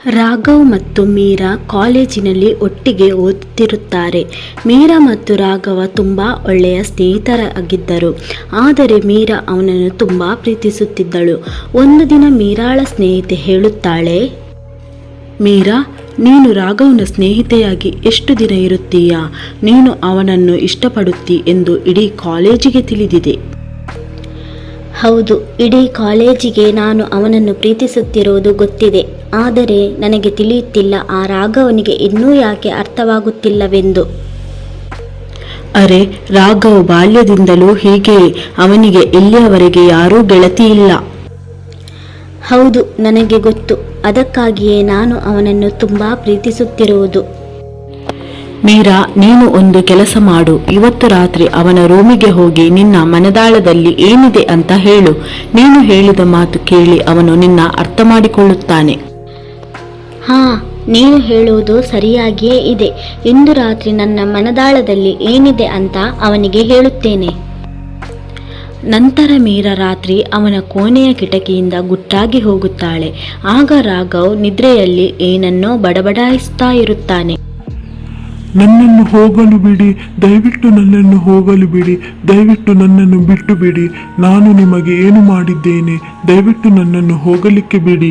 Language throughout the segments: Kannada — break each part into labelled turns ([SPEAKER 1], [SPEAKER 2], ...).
[SPEAKER 1] ರಾಘವ್ ಮತ್ತು ಮೀರಾ ಕಾಲೇಜಿನಲ್ಲಿ ಒಟ್ಟಿಗೆ ಓದುತ್ತಿರುತ್ತಾರೆ. ಮೀರಾ ಮತ್ತು ರಾಘವ ತುಂಬ ಒಳ್ಳೆಯ ಸ್ನೇಹಿತರಾಗಿದ್ದರು. ಆದರೆ ಮೀರಾ ಅವನನ್ನು ತುಂಬ ಪ್ರೀತಿಸುತ್ತಿದ್ದಳು. ಒಂದು ದಿನ ಮೀರಾಳ ಸ್ನೇಹಿತೆ ಹೇಳುತ್ತಾಳೆ, ಮೀರಾ, ನೀನು ರಾಘವನ ಸ್ನೇಹಿತೆಯಾಗಿ ಎಷ್ಟು ದಿನ ಇರುತ್ತೀಯಾ? ನೀನು ಅವನನ್ನು ಇಷ್ಟಪಡುತ್ತಿ ಎಂದು ಇಡೀ ಕಾಲೇಜಿಗೆ ತಿಳಿದಿದೆ.
[SPEAKER 2] ಹೌದು, ಇಡೀ ಕಾಲೇಜಿಗೆ ನಾನು ಅವನನ್ನು ಪ್ರೀತಿಸುತ್ತಿರುವುದು ಗೊತ್ತಿದೆ. ಆದರೆ ನನಗೆ ತಿಳಿಯುತ್ತಿಲ್ಲ ಆ ರಾಘವನಿಗೆ ಇನ್ನೂ ಯಾಕೆ ಅರ್ಥವಾಗುತ್ತಿಲ್ಲವೆಂದು.
[SPEAKER 1] ಅರೆ, ರಾಘವ್ ಬಾಲ್ಯದಿಂದಲೂ ಹೀಗೆಯೇ. ಅವನಿಗೆ ಇಲ್ಲಿಯವರೆಗೆ ಯಾರೂ ಗೆಳತಿ ಇಲ್ಲ.
[SPEAKER 2] ಹೌದು, ನನಗೆ ಗೊತ್ತು. ಅದಕ್ಕಾಗಿಯೇ ನಾನು ಅವನನ್ನು ತುಂಬ ಪ್ರೀತಿಸುತ್ತಿರುವುದು.
[SPEAKER 1] ಮೀರಾ, ನೀನು ಒಂದು ಕೆಲಸ ಮಾಡು. ಇವತ್ತು ರಾತ್ರಿ ಅವನ ರೂಮಿಗೆ ಹೋಗಿ ನಿನ್ನ ಮನದಾಳದಲ್ಲಿ ಏನಿದೆ ಅಂತ ಹೇಳು. ನೀನು ಹೇಳಿದ ಮಾತು ಕೇಳಿ ಅವನು ನಿನ್ನ ಅರ್ಥ ಮಾಡಿಕೊಳ್ಳುತ್ತಾನೆ.
[SPEAKER 2] ಹಾ, ನೀನು ಹೇಳುವುದು ಸರಿಯಾಗಿಯೇ ಇದೆ. ಇಂದು ರಾತ್ರಿ ನನ್ನ ಮನದಾಳದಲ್ಲಿ ಏನಿದೆ ಅಂತ ಅವನಿಗೆ ಹೇಳುತ್ತೇನೆ.
[SPEAKER 1] ನಂತರ ಮೀರಾ ರಾತ್ರಿ ಅವನ ಕೋಣೆಯ ಕಿಟಕಿಯಿಂದ ಗುಟ್ಟಾಗಿ ಹೋಗುತ್ತಾಳೆ. ಆಗ ರಾಘವ್ ನಿದ್ರೆಯಲ್ಲಿ ಏನನ್ನೋ ಬಡಬಡಾಯಿಸ್ತಾ ಇರುತ್ತಾನೆ.
[SPEAKER 3] ನನ್ನನ್ನು ಹೋಗಲು ಬಿಡಿ, ದಯವಿಟ್ಟು ನನ್ನನ್ನು ಹೋಗಲು ಬಿಡಿ, ದಯವಿಟ್ಟು ನನ್ನನ್ನು ಬಿಟ್ಟು ಬಿಡಿ. ನಾನು ನಿಮಗೆ ಏನು ಮಾಡಿದ್ದೇನೆ? ದಯವಿಟ್ಟು ನನ್ನನ್ನು ಹೋಗಲಿಕ್ಕೆ ಬಿಡಿ.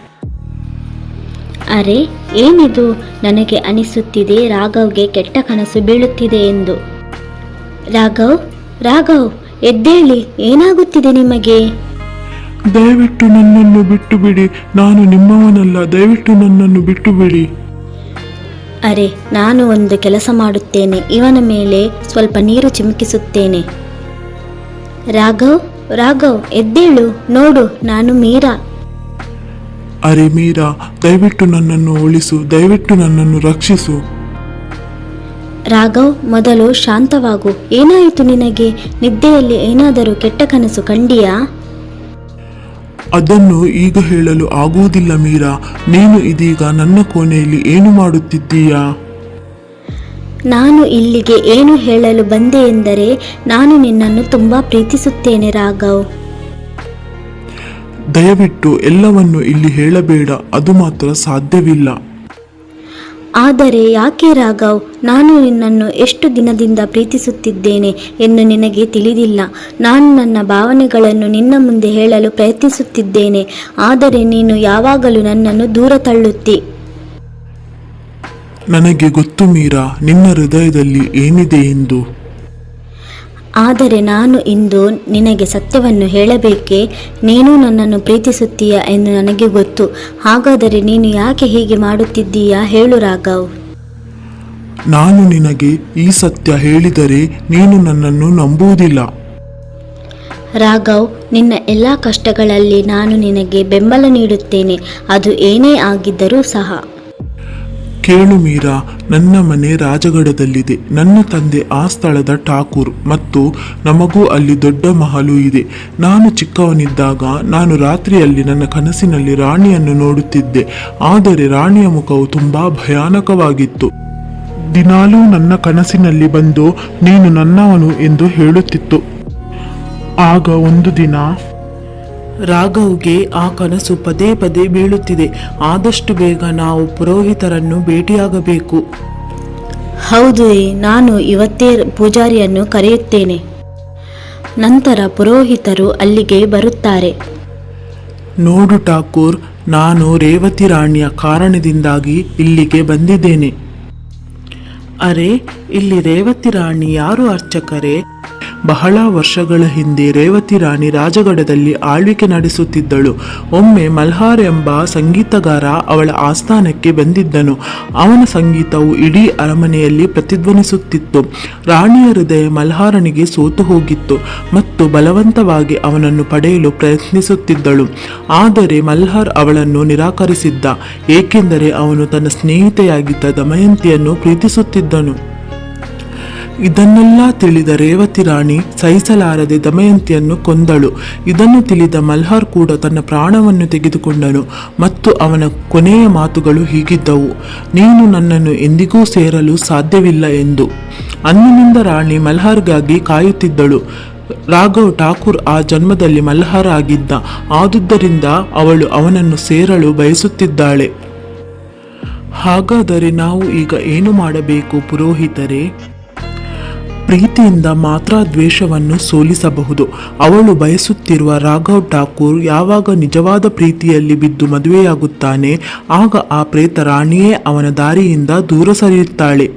[SPEAKER 2] ಅರೆ, ಏನಿದು? ನನಗೆ ಅನಿಸುತ್ತಿದೆ ರಾಘವ್ಗೆ ಕೆಟ್ಟ ಕನಸು ಬೀಳುತ್ತಿದೆ ಎಂದು. ರಾಘವ್, ರಾಘವ್, ಎದ್ದೇಳಿ. ಏನಾಗುತ್ತಿದೆ ನಿಮಗೆ?
[SPEAKER 3] ದಯವಿಟ್ಟು ನನ್ನನ್ನು ಬಿಟ್ಟು ಬಿಡಿ. ನಾನು ನಿಮ್ಮವನಲ್ಲ. ದಯವಿಟ್ಟು ನನ್ನನ್ನು ಬಿಟ್ಟು ಬಿಡಿ.
[SPEAKER 2] ಅರೆ, ನಾನು ಒಂದು ಕೆಲಸ ಮಾಡುತ್ತೇನೆ. ಇವನ ಮೇಲೆ ಸ್ವಲ್ಪ ನೀರು ಚಿಮುಕಿಸುತ್ತೇನೆ. ರಾಘವ್, ರಾಘವ್, ಎದ್ದೇಳು. ನೋಡು, ನಾನು ಮೀರಾ.
[SPEAKER 3] ಅರೆ ಮೀರಾ, ದಯವಿಟ್ಟು ನನ್ನನ್ನು ಉಳಿಸು. ದಯವಿಟ್ಟು ನನ್ನನ್ನು ರಕ್ಷಿಸು.
[SPEAKER 2] ರಾಘವ್, ಮೊದಲು ಶಾಂತವಾಗು. ಏನಾಯಿತು ನಿನಗೆ? ನಿದ್ದೆಯಲ್ಲಿ ಏನಾದರೂ ಕೆಟ್ಟ ಕನಸು ಕಂಡಿಯಾ?
[SPEAKER 3] ಅದನ್ನು ಈಗ ಹೇಳಲು ಆಗುವುದಿಲ್ಲ ಮೀರಾ. ನೀನು ಇದೀಗ ನನ್ನ ಕೋಣೆಯಲ್ಲಿ ಏನು ಮಾಡುತ್ತಿದ್ದೀಯಾ?
[SPEAKER 2] ನಾನು ಇಲ್ಲಿಗೆ ಏನು ಹೇಳಲು ಬಂದೆ ಎಂದರೆ, ನಾನು ನಿನ್ನನ್ನು ತುಂಬ ಪ್ರೀತಿಸುತ್ತೇನೆ ರಾಘವ್.
[SPEAKER 3] ದಯವಿಟ್ಟು ಎಲ್ಲವನ್ನು ಇಲ್ಲಿ ಹೇಳಬೇಡ. ಅದು ಮಾತ್ರ ಸಾಧ್ಯವಿಲ್ಲ.
[SPEAKER 2] ಆದರೆ ಯಾಕೆ ರಾಘವ್? ನಾನು ನಿನ್ನನ್ನು ಎಷ್ಟು ದಿನದಿಂದ ಪ್ರೀತಿಸುತ್ತಿದ್ದೇನೆ ಎಂದು ನಿನಗೆ ತಿಳಿದಿಲ್ಲ. ನಾನು ನನ್ನ ಭಾವನೆಗಳನ್ನು ನಿನ್ನ ಮುಂದೆ ಹೇಳಲು ಪ್ರಯತ್ನಿಸುತ್ತಿದ್ದೇನೆ. ಆದರೆ ನೀನು ಯಾವಾಗಲೂ ನನ್ನನ್ನು ದೂರ ತಳ್ಳುತ್ತಿ.
[SPEAKER 3] ನನಗೆ ಗೊತ್ತು ಮೀರಾ, ನಿನ್ನ ಹೃದಯದಲ್ಲಿ ಏನಿದೆ ಎಂದು.
[SPEAKER 2] ಆದರೆ ನಾನು ಇಂದು ನಿನಗೆ ಸತ್ಯವನ್ನು ಹೇಳಬೇಕೇ? ನೀನು ನನ್ನನ್ನು ಪ್ರೀತಿಸುತ್ತೀಯಾ ಎಂದು ನನಗೆ ಗೊತ್ತು. ಹಾಗಾದರೆ ನೀನು ಯಾಕೆ ಹೀಗೆ ಮಾಡುತ್ತಿದ್ದೀಯಾ? ಹೇಳು ರಾಘವ್.
[SPEAKER 3] ನಾನು ನಿನಗೆ ಈ ಸತ್ಯ ಹೇಳಿದರೆ ನೀನು ನನ್ನನ್ನು ನಂಬುವುದಿಲ್ಲ.
[SPEAKER 2] ರಾಘವ್, ನಿನ್ನ ಎಲ್ಲ ಕಷ್ಟಗಳಲ್ಲಿ ನಾನು ನಿನಗೆ ಬೆಂಬಲ ನೀಡುತ್ತೇನೆ. ಅದು ಏನೇ ಆಗಿದ್ದರೂ ಸಹ.
[SPEAKER 3] ಕೇಳು ಮೀರಾ, ನನ್ನ ಮನೆ ರಾಜಗಢದಲ್ಲಿದೆ. ನನ್ನ ತಂದೆ ಆ ಸ್ಥಳದ ಠಾಕೂರ್ ಮತ್ತು ನಮಗೂ ಅಲ್ಲಿ ದೊಡ್ಡ ಮಹಲು ಇದೆ. ನಾನು ಚಿಕ್ಕವನಿದ್ದಾಗ ನಾನು ರಾತ್ರಿಯಲ್ಲಿ ನನ್ನ ಕನಸಿನಲ್ಲಿ ರಾಣಿಯನ್ನು ನೋಡುತ್ತಿದ್ದೆ. ಆದರೆ ರಾಣಿಯ ಮುಖವು ತುಂಬಾ ಭಯಾನಕವಾಗಿತ್ತು. ದಿನಾಲೂ ನನ್ನ ಕನಸಿನಲ್ಲಿ ಬಂದು ನೀನು ನನ್ನವನು ಎಂದು ಹೇಳುತ್ತಿತ್ತು. ಆಗ ಒಂದು ದಿನ ರಾಘವ್ಗೆ ಆ ಕನಸು ಪದೇ ಪದೇ ಬೀಳುತ್ತಿದೆ. ಆದಷ್ಟು ಬೇಗ ನಾವು ಪುರೋಹಿತರನ್ನು ಭೇಟಿಯಾಗಬೇಕು.
[SPEAKER 2] ಹೌದು, ನಾನು ಇವತ್ತೇ ಪೂಜಾರಿಯನ್ನು ಕರೆಯುತ್ತೇನೆ. ನಂತರ ಪುರೋಹಿತರು ಅಲ್ಲಿಗೆ ಬರುತ್ತಾರೆ.
[SPEAKER 3] ನೋಡು ಠಾಕೂರ್, ನಾನು ರೇವತಿ ರಾಣಿಯ ಕಾರಣದಿಂದಾಗಿ ಇಲ್ಲಿಗೆ ಬಂದಿದ್ದೇನೆ. ಅರೆ, ಇಲ್ಲಿ ರೇವತಿ ರಾಣಿ ಯಾರು ಅರ್ಚಕರೇ? ಬಹಳ ವರ್ಷಗಳ ಹಿಂದೆ ರೇವತಿ ರಾಣಿ ರಾಜಗಢದಲ್ಲಿ ಆಳ್ವಿಕೆ ನಡೆಸುತ್ತಿದ್ದಳು. ಒಮ್ಮೆ ಮಲ್ಹಾರ್ ಎಂಬ ಸಂಗೀತಗಾರ ಅವಳ ಆಸ್ಥಾನಕ್ಕೆ ಬಂದಿದ್ದನು. ಅವನ ಸಂಗೀತವು ಇಡೀ ಅರಮನೆಯಲ್ಲಿ ಪ್ರತಿಧ್ವನಿಸುತ್ತಿತ್ತು. ರಾಣಿಯ ಹೃದಯ ಮಲ್ಹಾರನಿಗೆ ಸೋತು ಹೋಗಿತ್ತು ಮತ್ತು ಬಲವಂತವಾಗಿ ಅವನನ್ನು ಪಡೆಯಲು ಪ್ರಯತ್ನಿಸುತ್ತಿದ್ದಳು. ಆದರೆ ಮಲ್ಹಾರ್ ಅವಳನ್ನು ನಿರಾಕರಿಸಿದ್ದ, ಏಕೆಂದರೆ ಅವನು ತನ್ನ ಸ್ನೇಹಿತೆಯಾಗಿದ್ದ ದಮಯಂತಿಯನ್ನು ಪ್ರೀತಿಸುತ್ತಿದ್ದನು. ಇದನ್ನೆಲ್ಲ ತಿಳಿದ ರೇವತಿ ರಾಣಿ ಸಹಿಸಲಾರದೆ ದಮಯಂತಿಯನ್ನು ಕೊಂದಳು. ಇದನ್ನು ತಿಳಿದ ಮಲ್ಹಾರ್ ಕೂಡ ತನ್ನ ಪ್ರಾಣವನ್ನು ತೆಗೆದುಕೊಂಡನು ಮತ್ತು ಅವನ ಕೊನೆಯ ಮಾತುಗಳು ಹೀಗಿದ್ದವು: ನೀನು ನನ್ನನ್ನು ಎಂದಿಗೂ ಸೇರಲು ಸಾಧ್ಯವಿಲ್ಲ ಎಂದು. ಅಂದಿನಿಂದ ರಾಣಿ ಮಲ್ಹಾರ್ಗಾಗಿ ಕಾಯುತ್ತಿದ್ದಳು. ರಾಘವ್ ಠಾಕೂರ್ ಆ ಜನ್ಮದಲ್ಲಿ ಮಲ್ಹಾರ್ ಆಗಿದ್ದ. ಆದುದರಿಂದ ಅವಳು ಅವನನ್ನು ಸೇರಲು ಬಯಸುತ್ತಿದ್ದಾಳೆ. ಹಾಗಾದರೆ ನಾವು ಈಗ ಏನು ಮಾಡಬೇಕು ಪುರೋಹಿತರೇ? ಪ್ರೀತಿಯಿಂದ ಮಾತ್ರ ದ್ವೇಷವನ್ನು ಸೋಲಿಸಬಹುದು. ಅವಳು ಬಯಸುತ್ತಿರುವ ರಾಘವ್ ಠಾಕೂರ್ ಯಾವಾಗ ನಿಜವಾದ ಪ್ರೀತಿಯಲ್ಲಿ ಬಿದ್ದು ಮದುವೆಯಾಗುತ್ತಾನೆ, ಆಗ ಆ ಪ್ರೇತ ರಾಣಿಯೇ ಅವನ ದಾರಿಯಿಂದ ದೂರ ಸರಿಯುತ್ತಾಳೆ.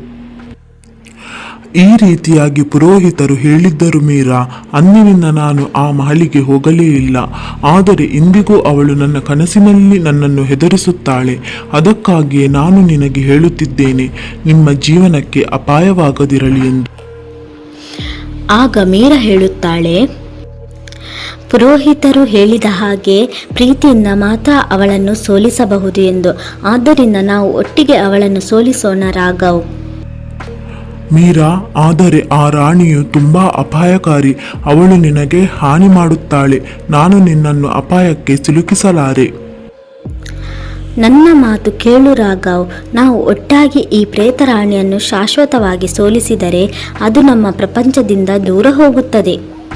[SPEAKER 3] ಈ ರೀತಿಯಾಗಿ ಪುರೋಹಿತರು ಹೇಳಿದ್ದರು ಮೀರಾ. ಅಂದಿನಿಂದ ನಾನು ಆ ಮಹಲಿಗೆ ಹೋಗಲೇ ಇಲ್ಲ. ಆದರೆ ಇಂದಿಗೂ ಅವಳು ನನ್ನ ಕನಸಿನಲ್ಲಿ ನನ್ನನ್ನು ಹೆದರಿಸುತ್ತಾಳೆ. ಅದಕ್ಕಾಗಿಯೇ ನಾನು ನಿನಗೆ ಹೇಳುತ್ತಿದ್ದೇನೆ, ನಿಮ್ಮ ಜೀವನಕ್ಕೆ ಅಪಾಯವಾಗದಿರಲಿ ಎಂದು.
[SPEAKER 2] ಆಗ ಮೀರಾ ಹೇಳುತ್ತಾಳೆ, ಪುರೋಹಿತರು ಹೇಳಿದ ಹಾಗೆ ಪ್ರೀತಿಯಿಂದ ಮಾತ್ರ ಅವಳನ್ನು ಸೋಲಿಸಬಹುದು ಎಂದು. ಆದ್ದರಿಂದ ನಾವು ಒಟ್ಟಿಗೆ ಅವಳನ್ನು ಸೋಲಿಸೋಣ ರಾಘವ್.
[SPEAKER 3] ಮೀರಾ, ಆದರೆ ಆ ರಾಣಿಯು ತುಂಬಾ ಅಪಾಯಕಾರಿ. ಅವಳು ನಿನಗೆ ಹಾನಿ ಮಾಡುತ್ತಾಳೆ. ನಾನು ನಿನ್ನನ್ನು ಅಪಾಯಕ್ಕೆ ಸಿಲುಕಿಸಲಾರೆ.
[SPEAKER 2] ನನ್ನ ಮಾತು ಕೇಳು ರಾಘವ್. ನಾವು ಒಟ್ಟಾಗಿ ಈ ಪ್ರೇತರಾಣಿಯನ್ನು ಶಾಶ್ವತವಾಗಿ ಸೋಲಿಸಿದರೆ ಅದು ನಮ್ಮ ಪ್ರಪಂಚದಿಂದ ದೂರ ಹೋಗುತ್ತದೆ.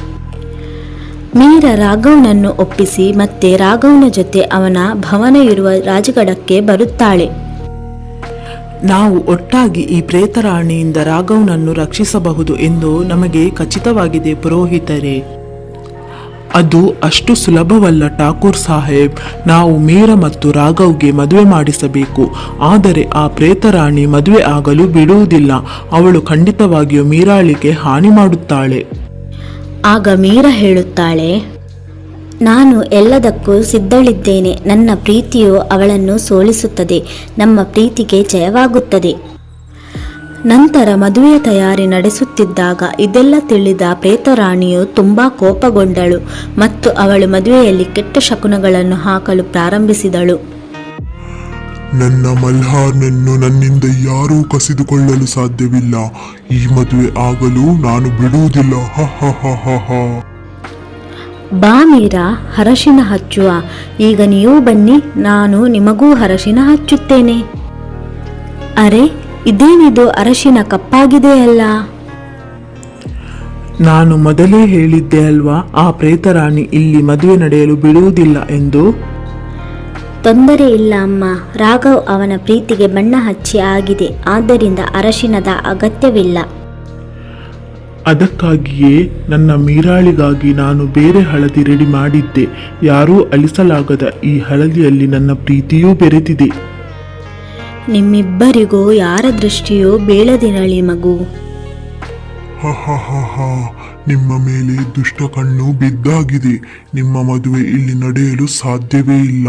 [SPEAKER 2] ಮೀರಾ ರಾಘವ್ನನ್ನು ಒಪ್ಪಿಸಿ ಮತ್ತೆ ರಾಘವ್ನ ಜೊತೆ ಅವನ ಭವನ ಇರುವ ರಾಜಗಡಕ್ಕೆ ಬರುತ್ತಾಳೆ.
[SPEAKER 1] ನಾವು ಒಟ್ಟಾಗಿ ಈ ಪ್ರೇತರಾಣಿಯಿಂದ ರಾಘವ್ನನ್ನು ರಕ್ಷಿಸಬಹುದು ಎಂದು ನಮಗೆ ಖಚಿತವಾಗಿದೆ ಪುರೋಹಿತರೇ.
[SPEAKER 3] ಅದು ಅಷ್ಟು ಸುಲಭವಲ್ಲ ಠಾಕೂರ್ ಸಾಹೇಬ್. ನಾವು ಮೀರಾ ಮತ್ತು ರಾಘವ್ಗೆ ಮದುವೆ ಮಾಡಿಸಬೇಕು. ಆದರೆ ಆ ಪ್ರೇತರಾಣಿ ಮದುವೆ ಆಗಲು ಬಿಡುವುದಿಲ್ಲ. ಅವಳು ಖಂಡಿತವಾಗಿಯೂ ಮೀರಾಳಿಗೆ ಹಾನಿ ಮಾಡುತ್ತಾಳೆ.
[SPEAKER 2] ಆಗ ಮೀರಾ ಹೇಳುತ್ತಾಳೆ, ನಾನು ಎಲ್ಲದಕ್ಕೂ ಸಿದ್ಧಳಿದ್ದೇನೆ. ನನ್ನ ಪ್ರೀತಿಯು ಅವಳನ್ನು ಸೋಲಿಸುತ್ತದೆ. ನಮ್ಮ ಪ್ರೀತಿಗೆ ಜಯವಾಗುತ್ತದೆ. ನಂತರ ಮದುವೆಯ ತಯಾರಿ ನಡೆಸುತ್ತಿದ್ದಾಗ ಇದೆಲ್ಲ ತಿಳಿದ ಪ್ರೇತರಾಣಿಯು ತುಂಬಾ ಕೋಪಗೊಂಡಳು ಮತ್ತು ಅವಳು ಮದುವೆಯಲ್ಲಿ ಕೆಟ್ಟ ಶಕುನಗಳನ್ನು ಹಾಕಲು ಪ್ರಾರಂಭಿಸಿದಳು.
[SPEAKER 4] ನನ್ನ ಮಲ್ಹಾರ್ನನ್ನು ನನ್ನಿಂದ ಯಾರೂ ಕಸಿದುಕೊಳ್ಳಲು ಸಾಧ್ಯವಿಲ್ಲ. ಈ ಮದುವೆ ಆಗಲು ನಾನು ಬಿಡುವುದಿಲ್ಲ. ಹ ಹ ಹ ಹ ಹ.
[SPEAKER 2] ಬಾ ಮೀರಾ, ಅರಶಿನ ಹಚ್ಚುವ. ಈಗ ನೀವು ಬನ್ನಿ, ನಾನು ನಿಮಗೂ ಅರಶಿನ ಹಚ್ಚುತ್ತೇನೆ. ಅರೆ, ಇದೇನಿದು ಅರಶಿನ ಕಪ್ಪಾಗಿದೆಯಲ್ಲ?
[SPEAKER 3] ನಾನು ಮೊದಲೇ ಹೇಳಿದ್ದೆ ಅಲ್ವಾ, ಆ ಪ್ರೇತರಾಣಿ ಇಲ್ಲಿ ಮದುವೆ ನಡೆಯಲು ಬಿಡುವುದಿಲ್ಲ ಎಂದು.
[SPEAKER 2] ತೊಂದರೆ ಇಲ್ಲ ಅಮ್ಮ. ರಾಘವ್ ಅವನ ಪ್ರೀತಿಗೆ ಬಣ್ಣ ಹಚ್ಚಿ ಆಗಿದೆ. ಆದ್ದರಿಂದ ಅರಶಿನದ ಅಗತ್ಯವಿಲ್ಲ.
[SPEAKER 3] ಅದಕ್ಕಾಗಿಯೇ ನನ್ನ ಮೀರಾಳಿಗಾಗಿ ನಾನು ಬೇರೆ ಹಳದಿ ರೆಡಿ ಮಾಡಿದ್ದೆ. ಯಾರೂ ಅಳಿಸಲಾಗದ ಈ ಹಳದಿಯಲ್ಲಿ ನನ್ನ ಪ್ರೀತಿಯೂ ಬೆರೆತಿದೆ.
[SPEAKER 2] ನಿಮ್ಮಿಬ್ಬರಿಗೂ ಯಾರ ದೃಷ್ಟಿಯೂ ಬೀಳದಿರಲಿ ಮಗು.
[SPEAKER 4] ಹ ಹ ಹ ಹ. ನಿಮ್ಮ ಮೇಲೆ ದುಷ್ಟ ಕಣ್ಣು ಬಿದ್ದಾಗಿದೆ. ನಿಮ್ಮ ಮದುವೆ ಇಲ್ಲಿ ನಡೆಯಲು ಸಾಧ್ಯವೇ ಇಲ್ಲ.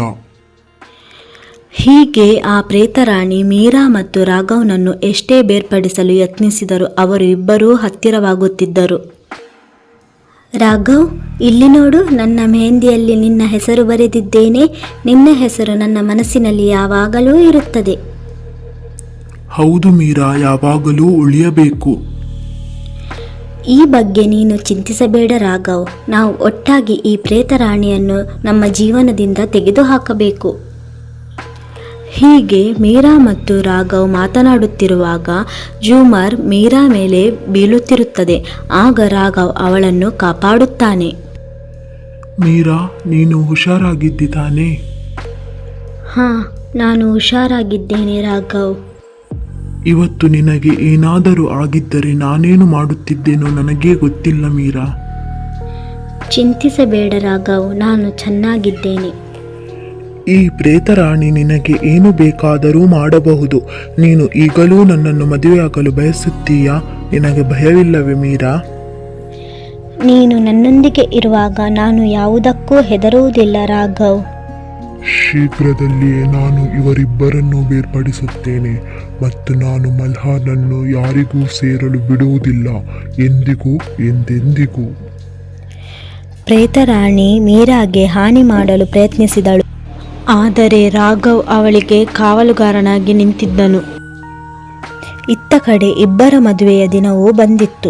[SPEAKER 2] ಹೀಗೆ ಆ ಪ್ರೇತರಾಣಿ ಮೀರಾ ಮತ್ತು ರಾಘವ್ನನ್ನು ಎಷ್ಟೇ ಬೇರ್ಪಡಿಸಲು ಯತ್ನಿಸಿದರೂ ಅವರು ಇಬ್ಬರೂ ಹತ್ತಿರವಾಗುತ್ತಿದ್ದರು. ರಾಘವ್, ಇಲ್ಲಿ ನೋಡು, ನನ್ನ ಮೆಹಂದಿಯಲ್ಲಿ ನಿನ್ನ ಹೆಸರು ಬರೆದಿದ್ದೇನೆ. ನಿನ್ನ ಹೆಸರು ನನ್ನ ಮನಸ್ಸಿನಲ್ಲಿ ಯಾವಾಗಲೂ ಇರುತ್ತದೆ.
[SPEAKER 3] ಹೌದು ಮೀರಾ, ಯಾವಾಗಲೂ ಉಳಿಯಬೇಕು.
[SPEAKER 2] ಈ ಬಗ್ಗೆ ನೀನು ಚಿಂತಿಸಬೇಡ ರಾಘವ್. ನಾವು ಒಟ್ಟಾಗಿ ಈ ಪ್ರೇತರಾಣಿಯನ್ನು ನಮ್ಮ ಜೀವನದಿಂದ ತೆಗೆದುಹಾಕಬೇಕು. ಹೀಗೆ ಮೀರಾ ಮತ್ತು ರಾಘವ್ ಮಾತನಾಡುತ್ತಿರುವಾಗ ಜೂಮರ್ ಮೀರಾ ಮೇಲೆ ಬೀಳುತ್ತಿರುತ್ತದೆ. ಆಗ ರಾಘವ್ ಅವಳನ್ನು ಕಾಪಾಡುತ್ತಾನೆ.
[SPEAKER 3] ಮೀರಾ, ನೀನು ಹುಷಾರಾಗಿದ್ದಿ ತಾನೇ?
[SPEAKER 2] ಹಾ, ನಾನು ಹುಷಾರಾಗಿದ್ದೇನೆ ರಾಘವ್.
[SPEAKER 3] ಇವತ್ತು ನಿನಗೆ ಏನಾದರೂ ಆಗಿದ್ದರೆ ನಾನೇನು ಮಾಡುತ್ತಿದ್ದೇನೋ ನನಗೇ ಗೊತ್ತಿಲ್ಲ ಮೀರಾ.
[SPEAKER 2] ಚಿಂತಿಸಬೇಡ ರಾಘವ್, ನಾನು ಚೆನ್ನಾಗಿದ್ದೇನೆ.
[SPEAKER 3] ಈ ಪ್ರೇತರಾಣಿ ನಿನಗೆ ಏನು ಬೇಕಾದರೂ ಮಾಡಬಹುದು. ನೀನು ಈಗಲೂ ನನ್ನನ್ನು ಮದುವೆಯಾಗಲು ಬಯಸುತ್ತೀಯಾ? ನಿನಗೆ ಭಯವಿಲ್ಲವೇ ಮೀರಾ?
[SPEAKER 2] ನೀನು ನನ್ನೊಂದಿಗೆ ಇರುವಾಗ ನಾನು ಯಾವುದಕ್ಕೂ ಹೆದರುವುದಿಲ್ಲ ರಾಘವ್.
[SPEAKER 4] ಶೀಘ್ರದಲ್ಲಿಯೇ ನಾನು ಇವರಿಬ್ಬರನ್ನು ಬೇರ್ಪಡಿಸುತ್ತೇನೆ ಮತ್ತು ನಾನು ಮಲ್ಹಾರ್ನನ್ನು ಯಾರಿಗೂ ಸೇರಲು ಬಿಡುವುದಿಲ್ಲ, ಎಂದಿಗೂ ಎಂದೆಂದಿಗೂ.
[SPEAKER 2] ಪ್ರೇತರಾಣಿ ಮೀರಾಗೆ ಹಾನಿ ಮಾಡಲು ಪ್ರಯತ್ನಿಸಿದಳು. ಆದರೆ ರಾಘವ್ ಅವಳಿಗೆ ಕಾವಲುಗಾರನಾಗಿ ನಿಂತಿದ್ದನು. ಇತ್ತ ಕಡೆ ಇಬ್ಬರ ಮದುವೆಯ ದಿನವೂ ಬಂದಿತ್ತು.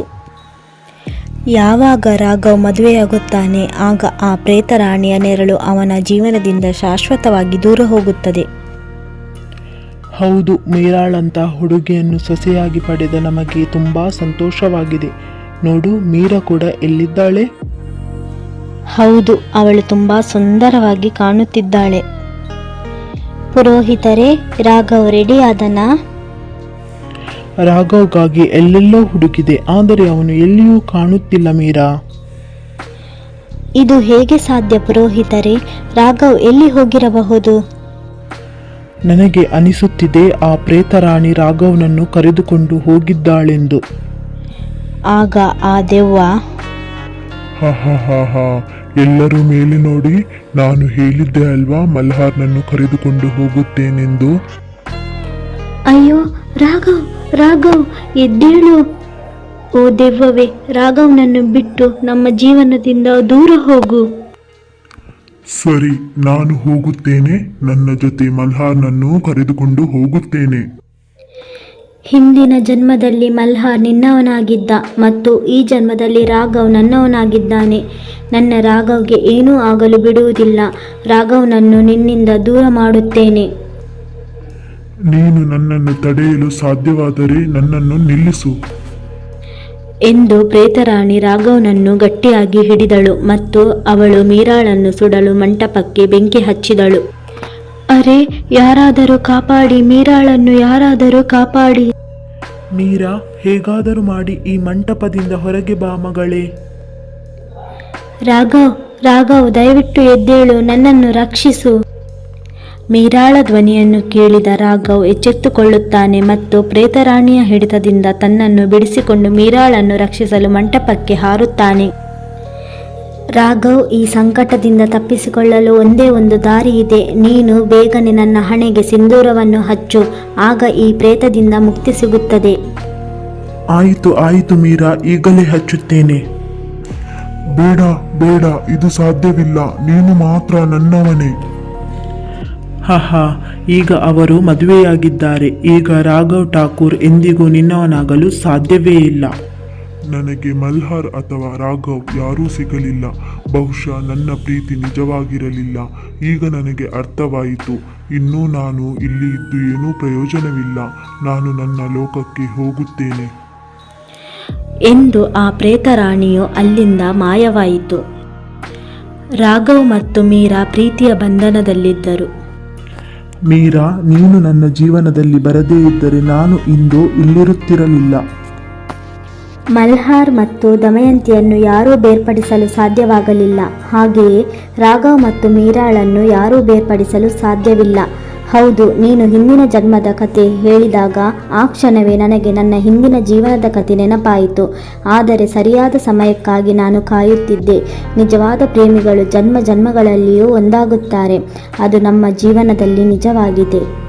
[SPEAKER 2] ಯಾವಾಗ ರಾಘವ್ ಮದುವೆಯಾಗುತ್ತಾನೆ, ಆಗ ಆ ಪ್ರೇತರಾಣಿಯ ನೆರಳು ಅವನ ಜೀವನದಿಂದ ಶಾಶ್ವತವಾಗಿ ದೂರ ಹೋಗುತ್ತದೆ.
[SPEAKER 3] ಹೌದು, ಮೀರಾಳಂತ ಹುಡುಗಿಯನ್ನು ಸೊಸೆಯಾಗಿ ಪಡೆದ ನಮಗೆ ತುಂಬಾ ಸಂತೋಷವಾಗಿದೆ. ನೋಡು, ಮೀರಾ ಕೂಡ ಎಲ್ಲಿದ್ದಾಳೆ?
[SPEAKER 2] ಹೌದು, ಅವಳು ತುಂಬಾ ಸುಂದರವಾಗಿ ಕಾಣುತ್ತಿದ್ದಾಳೆ. ಪುರೋಹಿತರೇ, ರಾಘವ್ ರೆಡಿ ಆದನಾ?
[SPEAKER 3] ರಾಘವ್ಗಾಗಿ ಎಲ್ಲೆಲ್ಲೋ ಹುಡುಕಿದೆ, ಆದರೆ ಅವನು ಎಲ್ಲಿಯೂ ಕಾಣುತ್ತಿಲ್ಲ ಮೀರಾ.
[SPEAKER 2] ಇದು ಹೇಗೆ ಸಾಧ್ಯ ಪುರೋಹಿತರೇ? ರಾಘವ್ ಎಲ್ಲಿ ಹೋಗಿರಬಹುದು?
[SPEAKER 3] ನನಗೆ ಅನಿಸುತ್ತಿದೆ ಆ ಪ್ರೇತರಾಣಿ ರಾಘವ್ನನ್ನು ಕರೆದುಕೊಂಡು ಹೋಗಿದ್ದಾಳೆಂದು.
[SPEAKER 2] ಆಗ ಆ ದೆವ್ವ,
[SPEAKER 4] ಹ ಹ ಹ ಹ, ಎಲ್ಲರೂ ಮೇಲೆ ನೋಡಿ, ನಾನು ಹೇಳಿದ್ದೆ ಅಲ್ವಾ ಮಲ್ಹಾರ್ನನ್ನು ಕರೆದುಕೊಂಡು ಹೋಗುತ್ತೇನೆಂದು.
[SPEAKER 2] ಅಯ್ಯೋ ರಾಘವ್, ರಾಘವ್ ಎದ್ದೇಳು. ಓ ದೆವ್ವವೇ, ರಾಘವ್ನನ್ನು ಬಿಟ್ಟು ನಮ್ಮ ಜೀವನದಿಂದ ದೂರ ಹೋಗು.
[SPEAKER 4] ಸರಿ, ನಾನು ಹೋಗುತ್ತೇನೆ. ನನ್ನ ಜೊತೆ ಮಲ್ಹಾರ್ನನ್ನು ಕರೆದುಕೊಂಡು ಹೋಗುತ್ತೇನೆ.
[SPEAKER 2] ಹಿಂದಿನ ಜನ್ಮದಲ್ಲಿ ಮಲ್ಹಾರ್ ನಿನ್ನವನಾಗಿದ್ದ ಮತ್ತು ಈ ಜನ್ಮದಲ್ಲಿ ರಾಘವ್ ನನ್ನವನಾಗಿದ್ದಾನೆ. ನನ್ನ ರಾಘವ್ಗೆ ಏನೂ ಆಗಲು ಬಿಡುವುದಿಲ್ಲ. ರಾಘವ್ನನ್ನು ನಿನ್ನಿಂದ ದೂರ ಮಾಡುತ್ತೇನೆ.
[SPEAKER 4] ನೀನು ನನ್ನನ್ನು ತಡೆಯಲು ಸಾಧ್ಯವಾದರೆ ನನ್ನನ್ನು ನಿಲ್ಲಿಸು
[SPEAKER 1] ಎಂದು ಪ್ರೇತರಾಣಿ ರಾಘವ್ನನ್ನು ಗಟ್ಟಿಯಾಗಿ ಹಿಡಿದಳು ಮತ್ತು ಅವಳು ಮೀರಾಳನ್ನು ಸುಡಲು ಮಂಟಪಕ್ಕೆ ಬೆಂಕಿ ಹಚ್ಚಿದಳು. ಅರೆ, ಯಾರಾದರೂ ಕಾಪಾಡಿ, ಮೀರಾಳನ್ನು ಯಾರಾದರೂ ಕಾಪಾಡಿ.
[SPEAKER 3] ಮೀರಾ, ಹೇಗಾದರೂ ಮಾಡಿ ಈ ಮಂಟಪದಿಂದ ಹೊರಗೆ ಬಾ ಮಗಳೇ.
[SPEAKER 2] ರಾಘವ್, ರಾಘವ್ ದಯವಿಟ್ಟು ಎದ್ದೇಳು, ನನ್ನನ್ನು ರಕ್ಷಿಸು.
[SPEAKER 1] ಮೀರಾಳ ಧ್ವನಿಯನ್ನು ಕೇಳಿದ ರಾಘವ್ ಎಚ್ಚೆತ್ತುಕೊಳ್ಳುತ್ತಾನೆ ಮತ್ತು ಪ್ರೇತರಾಣಿಯ ಹಿಡಿತದಿಂದ ತನ್ನನ್ನು ಬಿಡಿಸಿಕೊಂಡು ಮೀರಾಳನ್ನು ರಕ್ಷಿಸಲು ಮಂಟಪಕ್ಕೆ ಹಾರುತ್ತಾನೆ.
[SPEAKER 2] ರಾಘವ್, ಈ ಸಂಕಟದಿಂದ ತಪ್ಪಿಸಿಕೊಳ್ಳಲು ಒಂದೇ ಒಂದು ದಾರಿ ಇದೆ. ನೀನು ಬೇಗನೆ ನನ್ನ ಹಣೆಗೆ ಸಿಂಧೂರವನ್ನು ಹಚ್ಚು, ಆಗ ಈ ಪ್ರೇತದಿಂದ ಮುಕ್ತಿ ಸಿಗುತ್ತದೆ.
[SPEAKER 3] ಆಯಿತು ಆಯಿತು ಮೀರಾ, ಈಗಲೇ ಹಚ್ಚುತ್ತೇನೆ.
[SPEAKER 4] ಬೇಡ ಬೇಡ, ಇದು ಸಾಧ್ಯವಿಲ್ಲ. ನೀನು ಮಾತ್ರ ನನ್ನವನೇ.
[SPEAKER 3] ಹಾ, ಈಗ ಅವರು ಮದುವೆಯಾಗಿದ್ದಾರೆ. ಈಗ ರಾಘವ್ ಠಾಕೂರ್ ಎಂದಿಗೂ ನಿನ್ನವನಾಗಲು ಸಾಧ್ಯವೇ ಇಲ್ಲ.
[SPEAKER 4] ನನಗೆ ಮಲ್ಹಾರ್ ಅಥವಾ ರಾಘವ್ ಯಾರೂ ಸಿಗಲಿಲ್ಲ. ಬಹುಶಃ ನನ್ನ ಪ್ರೀತಿ ನಿಜವಾಗಿರಲಿಲ್ಲ. ಈಗ ನನಗೆ ಅರ್ಥವಾಯಿತು. ಇನ್ನೂ ನಾನು ಇಲ್ಲಿ ಇದ್ದು ಏನೂ ಪ್ರಯೋಜನವಿಲ್ಲ. ನಾನು ನನ್ನ ಲೋಕಕ್ಕೆ ಹೋಗುತ್ತೇನೆ
[SPEAKER 1] ಎಂದು ಆ ಪ್ರೇತರಾಣಿಯು ಅಲ್ಲಿಂದ ಮಾಯವಾಯಿತು. ರಾಘವ್ ಮತ್ತು ಮೀರಾ ಪ್ರೀತಿಯ ಬಂಧನದಲ್ಲಿದ್ದರು.
[SPEAKER 3] ಮೀರಾ, ನೀನು ನನ್ನ ಜೀವನದಲ್ಲಿ ಬರದೇ ಇದ್ದರೆ ನಾನು ಇಂದು ಇಲ್ಲಿರುತ್ತಿರಲಿಲ್ಲ.
[SPEAKER 2] ಮಲ್ಹಾರ್ ಮತ್ತು ದಮಯಂತಿಯನ್ನು ಯಾರೂ ಬೇರ್ಪಡಿಸಲು ಸಾಧ್ಯವಾಗಲಿಲ್ಲ. ಹಾಗೆಯೇ ರಾಘವ್ ಮತ್ತು ಮೀರಾಳನ್ನು ಯಾರೂ ಬೇರ್ಪಡಿಸಲು ಸಾಧ್ಯವಿಲ್ಲ. ಹೌದು, ನೀನು ಹಿಂದಿನ ಜನ್ಮದ ಕತೆ ಹೇಳಿದಾಗ ಆ ಕ್ಷಣವೇ ನನಗೆ ನನ್ನ ಹಿಂದಿನ ಜೀವನದ ಕತೆ ನೆನಪಾಯಿತು. ಆದರೆ ಸರಿಯಾದ ಸಮಯಕ್ಕಾಗಿ ನಾನು ಕಾಯುತ್ತಿದ್ದೆ. ನಿಜವಾದ ಪ್ರೇಮಿಗಳು ಜನ್ಮ ಜನ್ಮಗಳಲ್ಲಿಯೂ ಒಂದಾಗುತ್ತಾರೆ. ಅದು ನಮ್ಮ ಜೀವನದಲ್ಲಿ ನಿಜವಾಗಿದೆ.